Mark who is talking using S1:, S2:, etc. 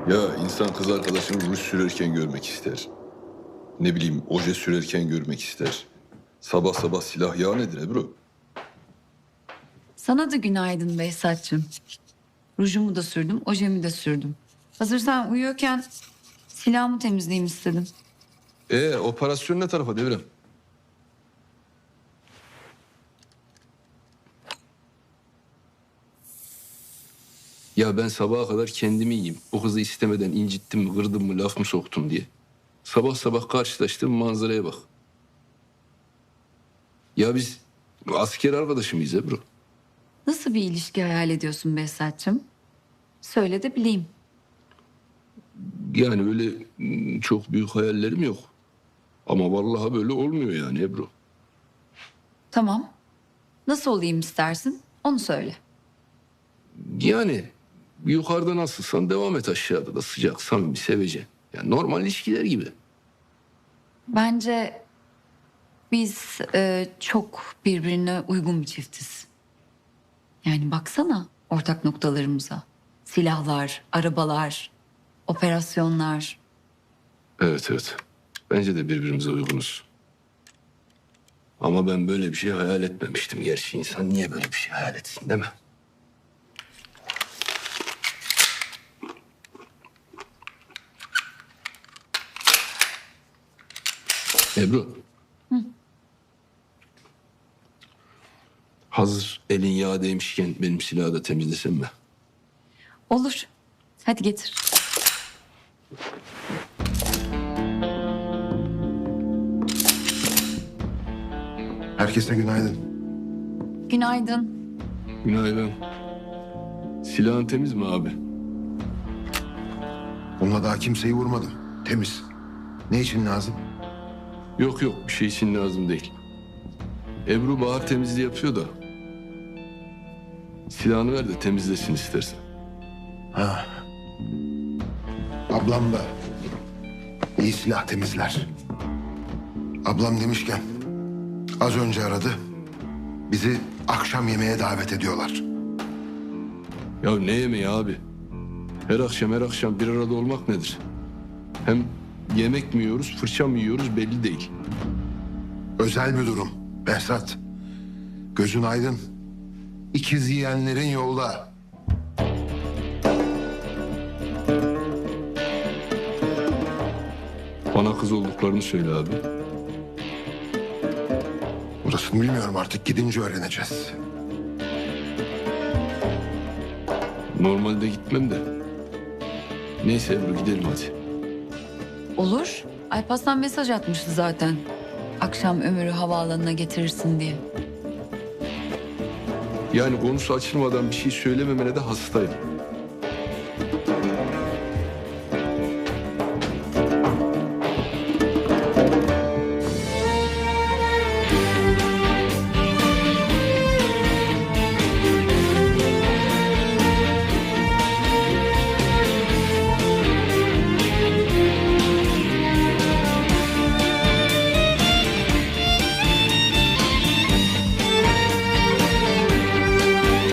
S1: Ya insan kız arkadaşını ruj sürerken görmek ister. Ne bileyim oje sürerken görmek ister. Sabah sabah silah yağı nedir Ebru?
S2: Sana da günaydın Behzatçığım. Rujumu da sürdüm, ojemi de sürdüm. Hazır sen uyuyorken silahımı temizleyeyim istedim.
S1: Operasyon ne tarafa Devrem? Ya ben sabaha kadar kendimi yiyeyim. O kızı istemeden incittim mi, kırdım mı, laf mı soktum diye. Sabah sabah karşılaştığım manzaraya bak. Ya biz asker arkadaşı mıyız Ebru?
S2: Nasıl bir ilişki hayal ediyorsun Behzatçığım? Söyle de bileyim.
S1: Yani öyle çok büyük hayallerim yok. Ama vallahi böyle olmuyor yani Ebru.
S2: Tamam. Nasıl olayım istersin? Onu söyle.
S1: Yani yukarıda nasılsan devam et, aşağıda da sıcak, samimi, sevecen. Yani normal ilişkiler gibi.
S2: Bence biz çok birbirine uygun bir çiftiz. Yani baksana ortak noktalarımıza. Silahlar, arabalar, operasyonlar.
S1: Evet evet. Bence de birbirimize uygunuz. Ama ben böyle bir şey hayal etmemiştim. Gerçi insan niye böyle bir şey hayal etsin değil mi? Ebru. Hazır elin yağ değmişken benim silahı da temizlesem mi?
S2: Olur. Hadi getir.
S3: Herkese günaydın.
S2: Günaydın.
S1: Günaydın. Silahın temiz mi abi?
S3: Onunla daha kimseyi vurmadım. Temiz. Ne için lazım?
S1: Yok yok, bir şey için lazım değil. Ebru bahar temizliği yapıyor da. Silahını ver de temizlesin istersen.
S3: Ha. Ablam da iyi silah temizler. Ablam demişken az önce aradı. Bizi akşam yemeğe davet ediyorlar.
S1: Ya ne yemeği abi? Her akşam bir arada olmak nedir? Hem yemek mi yiyoruz, fırça mı yiyoruz belli değil.
S3: Özel bir durum. Behzat. Gözün aydın. İkiz yiyenlerin yolda.
S1: Bana kız olduklarını söyle abi.
S3: Orasını bilmiyorum, artık gidince öğreneceğiz.
S1: Normalde gitmem de. Neyse Ebru, gidelim hadi.
S2: Olur. Alparslan mesaj atmıştı zaten. Akşam Ömür'ü havaalanına getirirsin diye.
S1: Yani konusu açılmadan bir şey söylememene de hastayım.